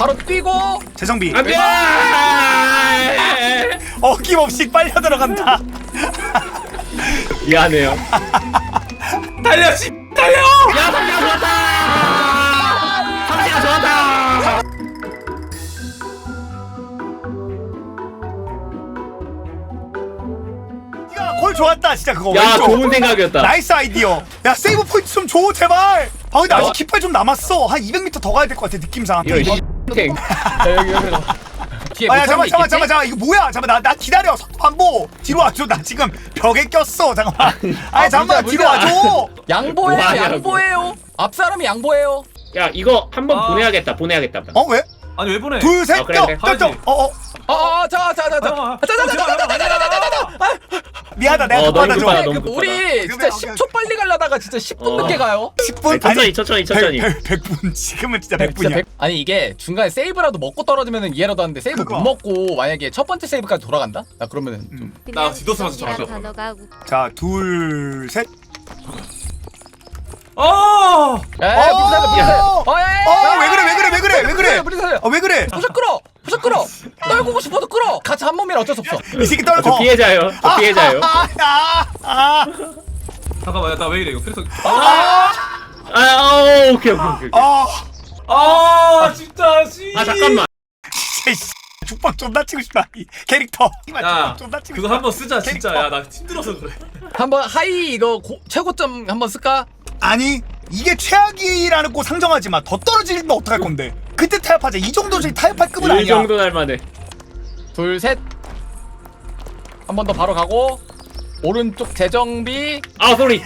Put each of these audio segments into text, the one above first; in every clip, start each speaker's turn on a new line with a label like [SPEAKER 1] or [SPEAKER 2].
[SPEAKER 1] 바로 뛰고
[SPEAKER 2] 재정비.
[SPEAKER 3] 안돼.
[SPEAKER 2] 어김없이 빨려 들어간다.
[SPEAKER 3] 미안해요.
[SPEAKER 4] 달려 씨 달려.
[SPEAKER 3] 야 상대가 좋았다. 상대가 좋았다.
[SPEAKER 2] 야, 골 좋았다 진짜 그거.
[SPEAKER 3] 야
[SPEAKER 2] 왼쪽.
[SPEAKER 3] 좋은 생각이었다.
[SPEAKER 2] 나이스 아이디어. 야 세이브 포인트 좀 줘 제발. 아 근데 아직 깃발 좀 남았어. 한 200m 더 가야 될 것 같아 느낌상.
[SPEAKER 3] 이거 땡.
[SPEAKER 1] 여기 뒤에
[SPEAKER 2] 아야
[SPEAKER 1] 못
[SPEAKER 2] 잠깐
[SPEAKER 1] 있겠지?
[SPEAKER 2] 이거 뭐야? 잠깐 나 기다려. 반보 뒤로 와줘. 나 지금 벽에 꼈어. 잠깐만. 아니 잠깐만 뒤로 와줘.
[SPEAKER 1] 양보해요
[SPEAKER 3] 뭐하냐고.
[SPEAKER 1] 양보해요 앞 사람이 양보해요
[SPEAKER 3] 야 이거 한번 보내야겠다. 보내야겠다.
[SPEAKER 2] 어 왜?
[SPEAKER 4] 아니 왜 보내?
[SPEAKER 2] 둘 셋
[SPEAKER 3] 그래,
[SPEAKER 2] 껴.
[SPEAKER 3] 그래.
[SPEAKER 2] 껴. 미안하다 내가
[SPEAKER 3] 어, 너무
[SPEAKER 2] 급하다
[SPEAKER 3] 급하다,
[SPEAKER 2] 좀.
[SPEAKER 3] 너무 급하다.
[SPEAKER 1] 우리 진짜
[SPEAKER 2] 오케이,
[SPEAKER 1] 10초 빨리 가려다가 진짜 10분 늦게 가요
[SPEAKER 2] 10분?
[SPEAKER 3] 천천히.
[SPEAKER 2] 100분 지금은 진짜 100분이야.
[SPEAKER 1] 아니 이게 중간에 세이브라도 먹고 떨어지면 이해라도 하는데 세이브
[SPEAKER 2] 그거.
[SPEAKER 1] 못 먹고 만약에 첫 번째 세이브까지 돌아간다? 나 그러면은 좀
[SPEAKER 4] 나 디도스 맞춰 정하죠.
[SPEAKER 2] 자, 둘, 셋.
[SPEAKER 4] 어.
[SPEAKER 1] 야야 무리 살려
[SPEAKER 2] 왜 그래?
[SPEAKER 1] 무리 살려
[SPEAKER 2] 왜 그래?
[SPEAKER 1] 부셔 끌어 떨구고 싶어도 끌어 같이 한 몸이라 어쩔 수 없어
[SPEAKER 2] 이 새끼
[SPEAKER 3] 저
[SPEAKER 2] 떨고.
[SPEAKER 3] 피해자예요. 저 피해자예요.
[SPEAKER 4] 잠깐만 나 왜 이래 이거 그래서.
[SPEAKER 3] 오케이.
[SPEAKER 4] 아 진짜 씨.
[SPEAKER 3] 아 잠깐만.
[SPEAKER 2] 죽방 존나 치고 싶다. 이 캐릭터.
[SPEAKER 4] 야
[SPEAKER 2] 존나 치고
[SPEAKER 4] 그거
[SPEAKER 2] 싶다.
[SPEAKER 4] 한번 쓰자 진짜. 야 나 힘들어서 그래.
[SPEAKER 1] 한번 하이 이거 최고점 한번 쓸까?
[SPEAKER 2] 아니, 이게 최악이라는 거 상정하지 마. 더 떨어지면 어떡할 건데? 그때 타협하자. 이 정도지 타협할 급은
[SPEAKER 3] 이
[SPEAKER 2] 아니야.
[SPEAKER 3] 정도 날만해.
[SPEAKER 1] 둘 셋 한 번 더 바로 가고 오른쪽 재정비
[SPEAKER 3] 아 소리.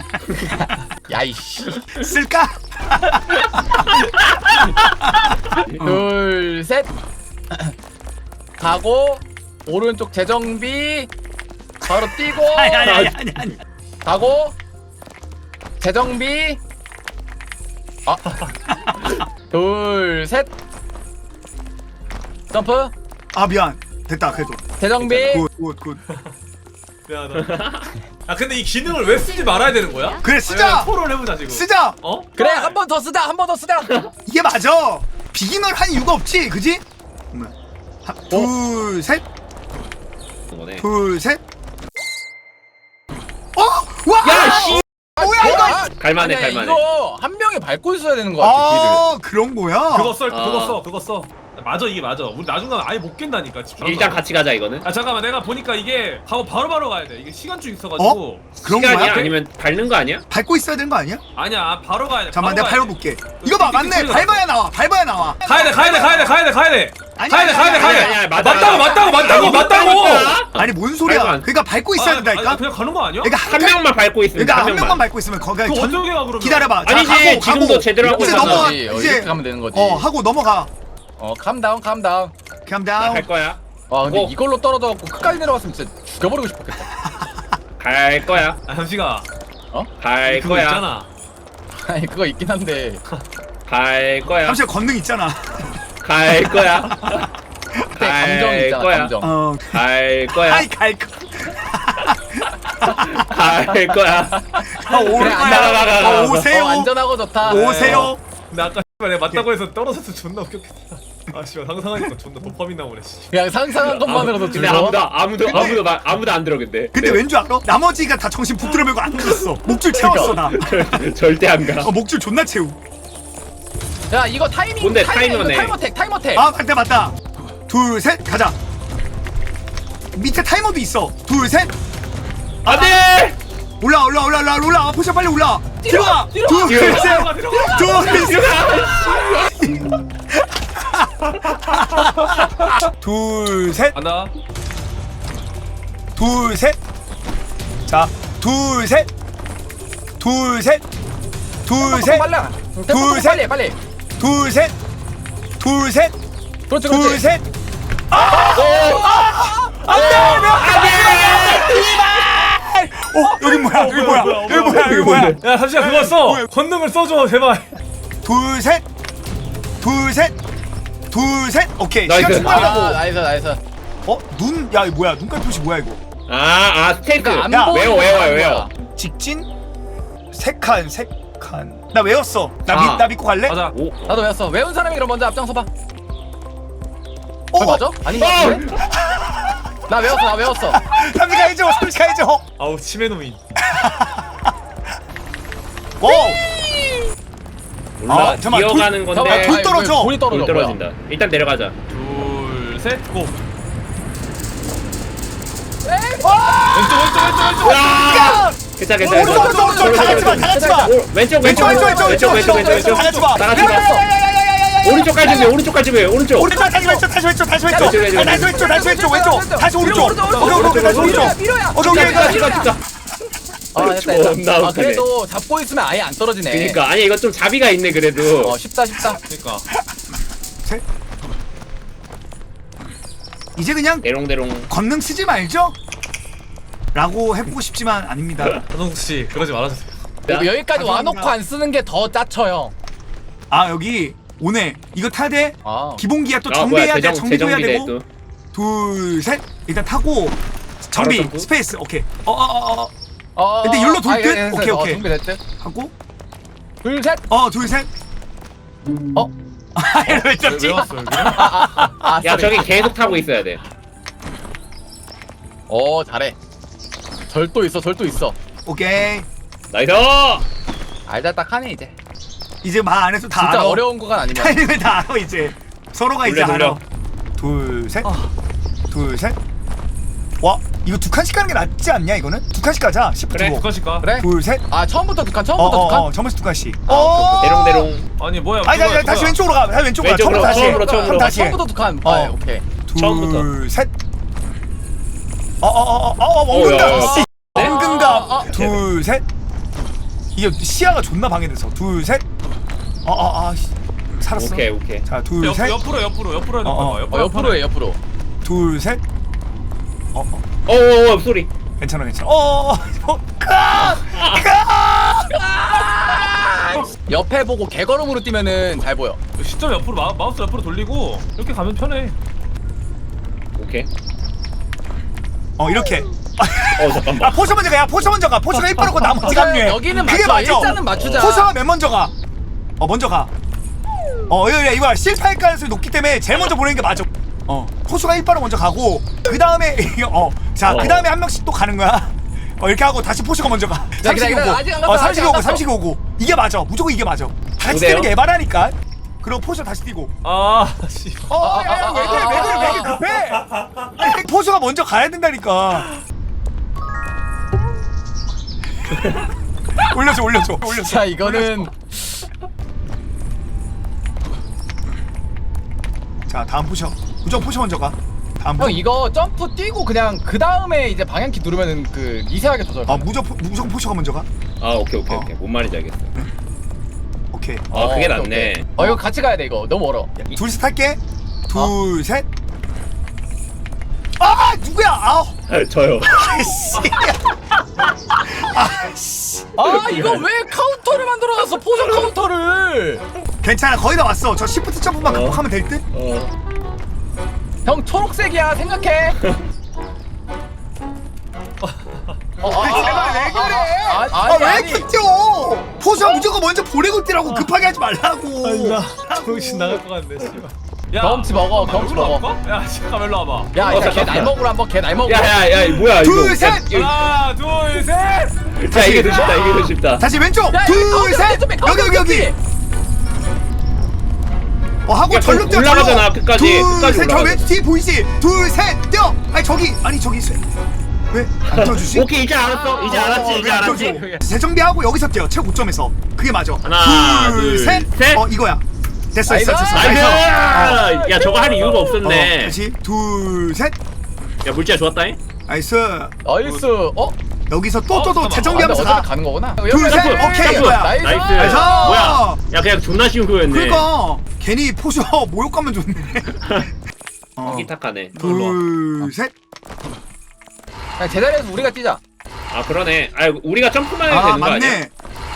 [SPEAKER 1] 야이씨
[SPEAKER 2] 쓸까?
[SPEAKER 1] 둘 셋 가고 오른쪽 재정비 바로 뛰고
[SPEAKER 2] 아니.
[SPEAKER 1] 가고 재정비 둘 셋 점프
[SPEAKER 2] 아 미안. 됐다 그래도.
[SPEAKER 1] 재정비
[SPEAKER 2] 굿.
[SPEAKER 4] 미안하다. 아 근데 이 기능을 왜 쓰지 말아야 되는 거야?
[SPEAKER 2] 그래 쓰자.
[SPEAKER 4] 토론을 해보자 지금.
[SPEAKER 2] 쓰자.
[SPEAKER 4] 어?
[SPEAKER 1] 그래 한 번 더 쓰자
[SPEAKER 2] 이게 맞아. 비기널 한 이유가 없지, 그지? 둘, 셋. 둘, 셋. 와!
[SPEAKER 3] 야 씨.
[SPEAKER 2] 뭐야 이거?
[SPEAKER 3] 갈만해.
[SPEAKER 1] 이거 한 명이 밟고 있어야 되는 거 같아 길을
[SPEAKER 2] 아, 그런 거야.
[SPEAKER 4] 그거 써. 맞아 이게 맞아. 우리 나중에 아예 못 깬다니까.
[SPEAKER 3] 일단 같이 가자 이거는.
[SPEAKER 4] 아 잠깐만 내가 보니까 이게 바로 가야 돼. 이게 시간줄 있어가지고.
[SPEAKER 2] 그런
[SPEAKER 3] 시간이야?
[SPEAKER 2] 거야?
[SPEAKER 3] 아니면 밟는 거 아니야?
[SPEAKER 2] 밟고 있어야 되는 거 아니야?
[SPEAKER 4] 아니야 바로 가야 돼.
[SPEAKER 2] 잠깐만
[SPEAKER 4] 바로
[SPEAKER 2] 내가
[SPEAKER 4] 가야 돼.
[SPEAKER 2] 밟아볼게. 이거 봐, 맞네.
[SPEAKER 4] 소리가
[SPEAKER 2] 밟아야 나와.
[SPEAKER 4] 가야 돼.
[SPEAKER 2] 아니야,
[SPEAKER 4] 맞다고.
[SPEAKER 2] 아니 뭔
[SPEAKER 3] 밟으면
[SPEAKER 2] 소리야?
[SPEAKER 3] 안 돼.
[SPEAKER 2] 그러니까 밟고 있어야 된다니까.
[SPEAKER 4] 그냥 가는 거 아니야?
[SPEAKER 2] 그러니까
[SPEAKER 3] 한 명만 밟고 있으면
[SPEAKER 2] 그러니까
[SPEAKER 3] 한
[SPEAKER 2] 한 명만
[SPEAKER 3] 명만.
[SPEAKER 2] 밟고 있으면 거기가
[SPEAKER 4] 그거 어떻게 가 그러면?
[SPEAKER 2] 기다려봐. 자,
[SPEAKER 3] 아니지, 지금도 제대로 하고
[SPEAKER 2] 이제
[SPEAKER 3] 있잖아.
[SPEAKER 2] 넘어가.
[SPEAKER 1] 이렇게
[SPEAKER 2] 이제
[SPEAKER 1] 하면 되는 거지
[SPEAKER 2] 하고 넘어가.
[SPEAKER 1] 캄다운
[SPEAKER 2] calm down.
[SPEAKER 3] 갈 거야.
[SPEAKER 1] 와 근데
[SPEAKER 3] 어.
[SPEAKER 1] 이걸로 떨어져갖고 끝까지 내려갔으면 진짜 죽여버리고 싶었겠다
[SPEAKER 3] 갈 거야.
[SPEAKER 4] 아 현식아.
[SPEAKER 3] 갈
[SPEAKER 4] 그거
[SPEAKER 3] 거야.
[SPEAKER 4] 있잖아.
[SPEAKER 1] 아니 그거 있긴 한데
[SPEAKER 3] 갈 거야.
[SPEAKER 2] 잠시만 건능 있잖아.
[SPEAKER 3] 갈 거야.
[SPEAKER 1] 그때 감정이 있잖아
[SPEAKER 3] 거야.
[SPEAKER 1] 감정
[SPEAKER 3] 갈 거야.
[SPEAKER 2] 아이 갈 거.
[SPEAKER 3] 갈 거야.
[SPEAKER 1] 그래,
[SPEAKER 3] 가.
[SPEAKER 2] 오세요.
[SPEAKER 1] 안전하고 좋다
[SPEAKER 2] 오세요.
[SPEAKER 4] 근데 아까 내가 맞다고 해서 떨어져서 존나 웃겼겠다. 아 씨발 상상하니까 존나 도파민 나오네. 씨.
[SPEAKER 1] 그냥 상상한 것만으로도
[SPEAKER 3] 근데
[SPEAKER 1] 즐거워
[SPEAKER 3] 아무도 안 들어 근데.
[SPEAKER 2] 근데 왠 줄 알아? 나머지가 다 정신 붙들어 매고 안 들었어. 목줄 채웠어 나.
[SPEAKER 3] 절대 안 가.
[SPEAKER 2] 목줄 존나 채우.
[SPEAKER 1] 야 이거 타이밍
[SPEAKER 3] 뭔데,
[SPEAKER 1] 타이머택
[SPEAKER 3] 타이머네.
[SPEAKER 1] 타이머택
[SPEAKER 2] 아 맞다. 둘 셋 가자. 밑에 타이머도 있어. 둘 셋.
[SPEAKER 3] 안돼.
[SPEAKER 2] 올라. 포션 빨리 올라. 들어가.
[SPEAKER 1] 뒤로
[SPEAKER 2] 둘
[SPEAKER 3] 뒤로
[SPEAKER 2] 셋. 둘 셋.
[SPEAKER 4] 간다.
[SPEAKER 2] 둘 셋. 자, 둘 셋. 둘 셋. 둘 셋.
[SPEAKER 1] 빨라
[SPEAKER 2] 둘, 셋.
[SPEAKER 1] 빨리
[SPEAKER 2] 둘 셋. 둘 셋.
[SPEAKER 1] 그렇지
[SPEAKER 2] 둘
[SPEAKER 1] 그렇지
[SPEAKER 2] 셋. 여기 뭐야?
[SPEAKER 4] 야 잠시만 그거 써. 권능을 써줘 제발.
[SPEAKER 2] 둘 셋. 오케이.
[SPEAKER 3] 나이스.
[SPEAKER 2] 시간 충분하다고.
[SPEAKER 1] 나이스
[SPEAKER 2] 눈. 야, 이거 뭐야? 눈깔 표시 뭐야 이거?
[SPEAKER 3] 스테이크.
[SPEAKER 1] 그러니까
[SPEAKER 2] 야,
[SPEAKER 1] 안 보이는
[SPEAKER 3] 외워.
[SPEAKER 1] 거야.
[SPEAKER 2] 직진. 세 칸. 나 외웠어.
[SPEAKER 3] 아.
[SPEAKER 2] 나 믿고 갈래?
[SPEAKER 4] 맞아.
[SPEAKER 3] 오.
[SPEAKER 1] 나도 외웠어 외운 사람이 그럼 먼저 앞장서봐 맞아? 아닌 거 같은데? 나 외웠어.
[SPEAKER 2] 3시 가야죠. 3시 가야죠.
[SPEAKER 4] 아우 치매노인.
[SPEAKER 2] 오.
[SPEAKER 3] 몰라.
[SPEAKER 2] 잠깐만,
[SPEAKER 3] 기어가는 건데
[SPEAKER 2] 돌 떨어져.
[SPEAKER 1] 돌이 떨어져.
[SPEAKER 3] 돌 떨어진다. 일단 내려가자.
[SPEAKER 4] 둘, 셋, 고.
[SPEAKER 2] 와!
[SPEAKER 4] 왼쪽.
[SPEAKER 3] 와! 괜찮아.
[SPEAKER 2] 오른쪽 다 같이 봐. 다 같이 봐.
[SPEAKER 3] 왼쪽.
[SPEAKER 2] 다 같이 봐.
[SPEAKER 3] 다 같이 봐. 오른쪽까지 왜? 오른쪽까지 왜? 오른쪽.
[SPEAKER 2] 오른쪽 다시 왼쪽. 다시 왼쪽. 다시 왼쪽. 다시 오른쪽. 오케이 다시 오른쪽. 오케이.
[SPEAKER 3] 찍어.
[SPEAKER 1] 아 됐다.
[SPEAKER 3] 존나
[SPEAKER 1] 아
[SPEAKER 3] 웃기네.
[SPEAKER 1] 그래도 잡고 있으면 아예 안 떨어지네.
[SPEAKER 3] 그러니까 아니 이거 좀 자비가 있네 그래도.
[SPEAKER 1] 쉽다.
[SPEAKER 4] 그러니까.
[SPEAKER 2] 셋. 이제 그냥
[SPEAKER 3] 대롱대롱.
[SPEAKER 2] 권능 쓰지 말죠? 라고 해보고 싶지만 아닙니다.
[SPEAKER 4] 한홍수 씨 그러지 말아주세요.
[SPEAKER 1] 여기까지
[SPEAKER 2] 감사합니다.
[SPEAKER 1] 와놓고 안 쓰는 게 더 짜쳐요.
[SPEAKER 2] 아 여기 오네. 이거 타야 돼.
[SPEAKER 1] 아.
[SPEAKER 2] 기본기야 또
[SPEAKER 3] 아
[SPEAKER 2] 정비해야
[SPEAKER 3] 뭐야
[SPEAKER 2] 돼. 정비도 해야
[SPEAKER 3] 재정비네
[SPEAKER 2] 되고.
[SPEAKER 3] 또.
[SPEAKER 2] 둘 셋. 일단 타고 정비
[SPEAKER 3] 점프?
[SPEAKER 2] 스페이스. 오케이. 근데 일로 돌 듯? 오케이.
[SPEAKER 1] 준비됐지?
[SPEAKER 2] 하고
[SPEAKER 1] 둘 셋.
[SPEAKER 2] 둘 셋.
[SPEAKER 1] 어?
[SPEAKER 2] 왜 쳤지?
[SPEAKER 4] 왜 왔어 여기?
[SPEAKER 3] 야 저기 계속 타고 있어야 돼.
[SPEAKER 1] 잘해. 절도 있어.
[SPEAKER 2] 오케이.
[SPEAKER 3] 나이스.
[SPEAKER 1] 알잘딱하네 이제.
[SPEAKER 2] 이제 말 안 해도 다
[SPEAKER 1] 진짜
[SPEAKER 2] 알아.
[SPEAKER 1] 어려운 거가 아니면.
[SPEAKER 2] 타이밍을 다 알아 이제. 서로가 이제
[SPEAKER 3] 돌려,
[SPEAKER 2] 알아. 둘 셋. 둘 셋. 와 이거 두 칸씩 가는 게 낫지 않냐 이거는? 두 칸씩 가자. 10분
[SPEAKER 3] 그래,
[SPEAKER 2] 두고.
[SPEAKER 4] 두칸씩 가.
[SPEAKER 1] 그래?
[SPEAKER 2] 둘 셋.
[SPEAKER 1] 아 처음부터 두 칸. 처음부터 두 칸.
[SPEAKER 2] 점에서 두 칸씩.
[SPEAKER 3] 대롱대롱.
[SPEAKER 4] 아니 뭐야?
[SPEAKER 2] 아니
[SPEAKER 4] 그거야,
[SPEAKER 2] 다시
[SPEAKER 4] 그거야.
[SPEAKER 2] 왼쪽으로 가. 다시 왼쪽으로 가.
[SPEAKER 3] 왼쪽으로,
[SPEAKER 2] 처음부터 다시.
[SPEAKER 3] 처음으로.
[SPEAKER 2] 다시.
[SPEAKER 1] 처음부터 두 칸. 오케이.
[SPEAKER 3] 처음부터.
[SPEAKER 2] 둘 셋. 원근감.
[SPEAKER 3] 야.
[SPEAKER 2] 씨. 원근감.
[SPEAKER 1] 아.
[SPEAKER 2] 둘 셋. 이게 시야가 존나 방해돼서. 둘 셋. 씨. 살았어.
[SPEAKER 3] 오케이.
[SPEAKER 2] 자, 둘 셋.
[SPEAKER 4] 옆으로 해야 된다.
[SPEAKER 1] 옆으로 해 옆으로.
[SPEAKER 2] 둘 셋.
[SPEAKER 3] 소리.
[SPEAKER 2] 괜찮아.
[SPEAKER 1] 옆에 보고 개걸음으로 뛰면은 잘 보여.
[SPEAKER 4] 시점 옆으로 마우스 옆으로 돌리고 이렇게 가면 편해.
[SPEAKER 3] 오케이.
[SPEAKER 2] 이렇게.
[SPEAKER 3] 잠깐만.
[SPEAKER 2] 포셔 먼저 가. 포셔 먼저 가. 포셔가 1% 고 나머지 합류해.
[SPEAKER 1] 여기는
[SPEAKER 2] 그게
[SPEAKER 1] 맞춰.
[SPEAKER 2] 맞아.
[SPEAKER 1] 일단은 맞추자.
[SPEAKER 2] 포셔가 맨 먼저 가. 먼저 가. 이거 실패할 가능성이 높기 때문에 제일 먼저 보내는 게 맞아. 포수가 1바로 먼저 가고 그 다음에 그 다음에 한 명씩 또 가는 거야. 이렇게 하고 다시 포수가 먼저 가. 삼식이
[SPEAKER 1] 기다려,
[SPEAKER 2] 오고.
[SPEAKER 1] 아직 안 갔어, 아직 안 갔어.
[SPEAKER 2] 삼식이 오고. 이게 맞아. 무조건 이게 맞아. 같이
[SPEAKER 3] 어때요?
[SPEAKER 2] 뛰는 게 에바라니까. 그리고 포수 다시 뛰고.
[SPEAKER 4] 씨.
[SPEAKER 2] 왜 이렇게 급해? 아니, 포수가 먼저 가야 된다니까. 올려줘.
[SPEAKER 1] 자 이거는
[SPEAKER 2] 자 다음 포셔. 무조건 포셔 먼저 가. 다음
[SPEAKER 1] 형
[SPEAKER 2] 포셔.
[SPEAKER 1] 이거 점프 뛰고 그냥 그 다음에 이제 방향키 누르면은 그 미세하게 조절.
[SPEAKER 2] 무조건 포셔가 먼저 가.
[SPEAKER 3] 오케이. 뭔 말인지 알겠어.
[SPEAKER 2] 오케이.
[SPEAKER 3] 그게 낫네.
[SPEAKER 1] 이거 같이 가야 돼 이거 너무 멀어.
[SPEAKER 2] 둘셋 할게. 둘 셋. 누구야?
[SPEAKER 3] 저요.
[SPEAKER 1] 이거 왜 카운터를 만들어놨어 포션 카운터를.
[SPEAKER 2] 괜찮아 거의 다 왔어. 저 시프트 점프만 극복하면 될 듯?
[SPEAKER 1] 형 초록색이야 생각해.
[SPEAKER 2] 제발 왜 그래? 왜
[SPEAKER 1] 아니.
[SPEAKER 2] 이렇게 뛰어? 포수가 무조건 먼저 보내고 뛰라고 급하게 하지 말라고.
[SPEAKER 4] 정신 나갈 것 같네. 씨발.
[SPEAKER 1] 경험치 먹어, 경험치
[SPEAKER 4] 일로
[SPEAKER 1] 먹어.
[SPEAKER 4] 와볼까? 야 잠깐 일로 와봐.
[SPEAKER 1] 야걔 날먹으로 한번 걔 날먹으로.
[SPEAKER 3] 야 뭐야
[SPEAKER 2] 둘,
[SPEAKER 3] 이거.
[SPEAKER 2] 셋!
[SPEAKER 4] 하나 둘 셋.
[SPEAKER 3] 자 이게 더 쉽다.
[SPEAKER 2] 다시 왼쪽.
[SPEAKER 1] 야,
[SPEAKER 2] 둘 셋. 여기. 하고
[SPEAKER 3] 야,
[SPEAKER 2] 절로 뛰어.
[SPEAKER 3] 올라가잖아, 끝까지
[SPEAKER 2] 둘 셋. 저
[SPEAKER 3] 올라가잖아.
[SPEAKER 2] 왼쪽 뒤에 보이지? 둘 셋. 뛰어. 저기 왜안 뛰어주지?
[SPEAKER 3] 오케이 이제 알았어. 이제 알았지.
[SPEAKER 2] 재정비하고 여기서 뛰어. 최고점에서. 그게 맞아.
[SPEAKER 3] 하나, 둘, 셋.
[SPEAKER 2] 이거야. 됐어.
[SPEAKER 1] 나이스.
[SPEAKER 3] 나이스. 야 저거 할 이유가 없었네.
[SPEAKER 2] 다시 둘 셋.
[SPEAKER 3] 야 물지야 좋았다잉.
[SPEAKER 2] 나이스.
[SPEAKER 1] 나이스.
[SPEAKER 2] 여기서 또
[SPEAKER 4] 잠깐만.
[SPEAKER 2] 재정비하면서
[SPEAKER 1] 어차피
[SPEAKER 2] 가.
[SPEAKER 1] 가는 거구나.
[SPEAKER 2] 둘, 셋. 오케이,
[SPEAKER 3] 점프.
[SPEAKER 2] 이거야.
[SPEAKER 1] 나이스.
[SPEAKER 3] 나이스. 뭐야? 야 그냥 존나 쉬운 거였네.
[SPEAKER 2] 그러니까 괜히 포쇼 모욕감만 줬네.
[SPEAKER 3] 기탁하네.
[SPEAKER 2] 둘 셋.
[SPEAKER 1] 그냥 제자리에서 우리가 뛰자.
[SPEAKER 3] 그러네. 우리가 점프만 해도 되는 거 아니야?
[SPEAKER 2] 맞네.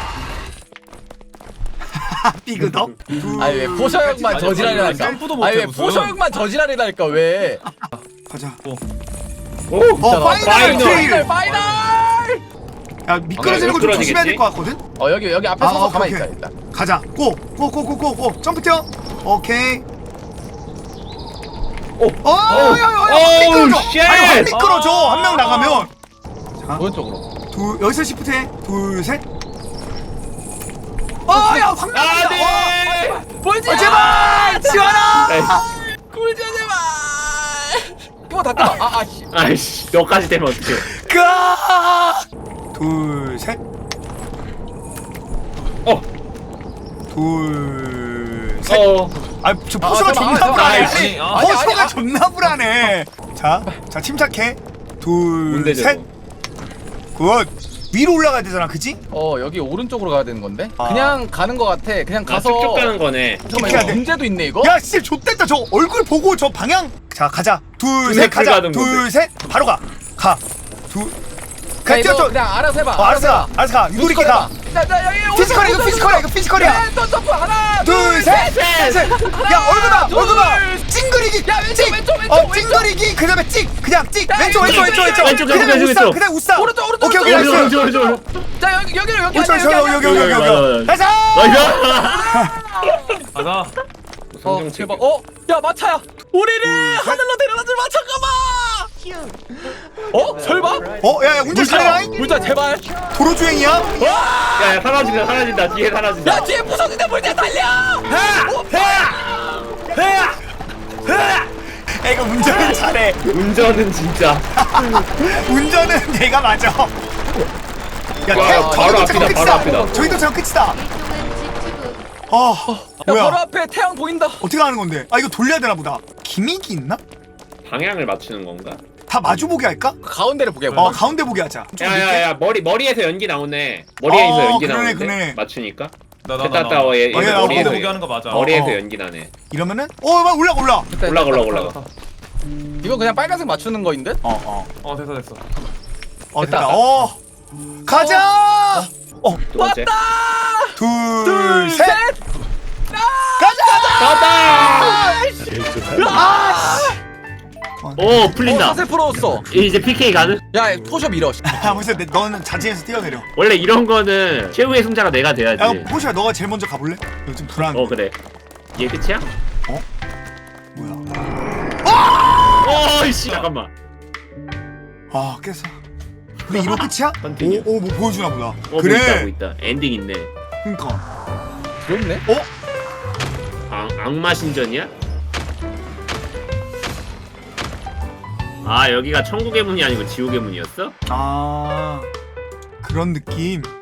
[SPEAKER 2] 삐그덕.
[SPEAKER 1] 아니 왜 포셔 형만
[SPEAKER 4] 아니,
[SPEAKER 1] 저지랄이랄까.
[SPEAKER 4] 점프도 못해,
[SPEAKER 1] 아니 왜
[SPEAKER 4] 무슨.
[SPEAKER 1] 포셔 형만 저지랄이랄까 왜.
[SPEAKER 2] 가자.
[SPEAKER 3] 오.
[SPEAKER 2] 파이널 트레일.
[SPEAKER 1] 파이널.
[SPEAKER 2] 야 미끄러지는 거 좀 조심해야 될 것 같거든.
[SPEAKER 1] 여기 앞에 서서 가만히
[SPEAKER 2] 오케이.
[SPEAKER 1] 있자 일단.
[SPEAKER 2] 가자. 고. 점프 뛰어. 오케이. 미끄러져.
[SPEAKER 3] 쉣!
[SPEAKER 2] 아니 확 미끄러져. 한 명 나가면. 자,
[SPEAKER 1] 오른쪽으로.
[SPEAKER 2] 여기서 시프트해. 둘, 셋. 야, 확 나간다.
[SPEAKER 3] 네.
[SPEAKER 1] 보이지?
[SPEAKER 2] 제발, 지원아.
[SPEAKER 1] 꿀자 제발. 이거 다 끊어. 씨.
[SPEAKER 3] 아이씨 너까지 되면 어떡해.
[SPEAKER 2] 둘, 셋. 둘, 셋. 저 포쇼가 존나
[SPEAKER 1] 잠깐만,
[SPEAKER 2] 불안해.
[SPEAKER 3] 아이씨.
[SPEAKER 2] 포쇼가 존나 불안해. 자, 침착해. 둘,
[SPEAKER 3] 뭔데,
[SPEAKER 2] 셋. 굿. 위로 올라가야 되잖아, 그지?
[SPEAKER 1] 여기 오른쪽으로 가야 되는 건데?
[SPEAKER 2] 아.
[SPEAKER 1] 그냥 가는 거 같아. 그냥 가서.
[SPEAKER 3] 쭉쭉 가는 거네.
[SPEAKER 1] 잠깐만
[SPEAKER 2] 이렇게 해야
[SPEAKER 1] 이거
[SPEAKER 2] 돼.
[SPEAKER 1] 문제도 있네 이거.
[SPEAKER 2] 야, 씨, 좆됐다. 저 얼굴 보고 저 방향. 자, 가자. 둘, 셋, 가자.
[SPEAKER 3] 가는
[SPEAKER 2] 둘,
[SPEAKER 3] 건데.
[SPEAKER 2] 셋. 바로 가. 둘.
[SPEAKER 1] 가
[SPEAKER 2] 뛰어,
[SPEAKER 1] 이거 그냥 알아서 해봐.
[SPEAKER 2] 알았어 가. 유도리 있게 가.
[SPEAKER 1] 나 여기
[SPEAKER 2] 피지컬이야, 이거 피지컬이야, 이거 피지컬이야.
[SPEAKER 1] 또 점프 하나.
[SPEAKER 2] 둘, 셋. 야, 얼굴 봐. 찡그리기.
[SPEAKER 1] 야, 왼쪽,
[SPEAKER 2] 찍.
[SPEAKER 1] 왼쪽, 왼쪽,
[SPEAKER 2] 찡그리기. 그다음에 찍. 그냥 찍.
[SPEAKER 1] 야,
[SPEAKER 2] 왼쪽.
[SPEAKER 1] 왼쪽.
[SPEAKER 2] 그냥 웃사. 그냥 웃사.
[SPEAKER 1] 오른쪽.
[SPEAKER 2] 오케이, 나이스.
[SPEAKER 1] 자 여기로 여기
[SPEAKER 2] 오른쪽, 여기.
[SPEAKER 3] 맞아.
[SPEAKER 2] 나이스.
[SPEAKER 4] 가자.
[SPEAKER 1] 제발. 야 마차야. 우리를 하늘로 데려다줄 마차가 봐. 설마?
[SPEAKER 2] 야, 운전 잘해라.
[SPEAKER 1] 물자 제발.
[SPEAKER 2] 도로 주행이야?
[SPEAKER 3] 야 사라진다 뒤에 사라진다.
[SPEAKER 1] 야 뒤에 무서운데 물자 달려.
[SPEAKER 2] 이거 운전은 잘해.
[SPEAKER 3] 운전은 진짜.
[SPEAKER 2] 운전은 내가 맞아. 야,
[SPEAKER 3] 바로 앞이다.
[SPEAKER 2] 저기도 저 끝이다.
[SPEAKER 1] 야
[SPEAKER 2] 뭐야?
[SPEAKER 1] 바로 앞에 태양 보인다.
[SPEAKER 2] 어떻게 하는 건데? 이거 돌려야 되나 보다. 기믹이 있나?
[SPEAKER 3] 방향을 맞추는 건가?
[SPEAKER 2] 다 마주보게 할까?
[SPEAKER 1] 가운데를 보게.
[SPEAKER 2] 가운데 보게 하자.
[SPEAKER 3] 야야야 머리에서 연기 나오네. 머리에서 연기
[SPEAKER 2] 그러네,
[SPEAKER 3] 나오는데
[SPEAKER 2] 그러네.
[SPEAKER 3] 맞추니까.
[SPEAKER 4] 나.
[SPEAKER 3] 됐다
[SPEAKER 2] 나
[SPEAKER 3] 머리에서
[SPEAKER 4] 보게 하는 거 맞아.
[SPEAKER 3] 머리에서 연기 나네.
[SPEAKER 2] 이러면은 막 올라가.
[SPEAKER 3] 올라가.
[SPEAKER 1] 이거 그냥 빨간색 맞추는 거인 듯?
[SPEAKER 4] 됐어.
[SPEAKER 2] 됐다. 가자.
[SPEAKER 3] 두 번째.
[SPEAKER 2] 둘, 셋.
[SPEAKER 3] 가자. 오 풀린다.
[SPEAKER 1] 사슬 풀어줬어.
[SPEAKER 3] 이제 PK 가는?
[SPEAKER 1] 야 포셔 밀어.
[SPEAKER 2] 무슨 너는 자진해서 뛰어내려.
[SPEAKER 3] 원래 이런 거는 최후의 승자가 내가 돼야지.
[SPEAKER 2] 야, 포시야, 너가 제일 먼저 가볼래? 이거 좀 불안.
[SPEAKER 3] 그래. 얘 끝이야?
[SPEAKER 2] 뭐야?
[SPEAKER 3] 어이씨 잠깐만.
[SPEAKER 2] 깼어. 근데 이거 끝이야?
[SPEAKER 3] 컨티뉴.
[SPEAKER 2] 뭐 보여주나 보다.
[SPEAKER 3] 뭐
[SPEAKER 2] 그래.
[SPEAKER 3] 있다. 엔딩 있네.
[SPEAKER 2] 그러니까.
[SPEAKER 1] 귀엽네.
[SPEAKER 3] 악마 신전이야? 여기가 천국의 문이 아니고 지옥의 문이었어?
[SPEAKER 2] 그런 느낌.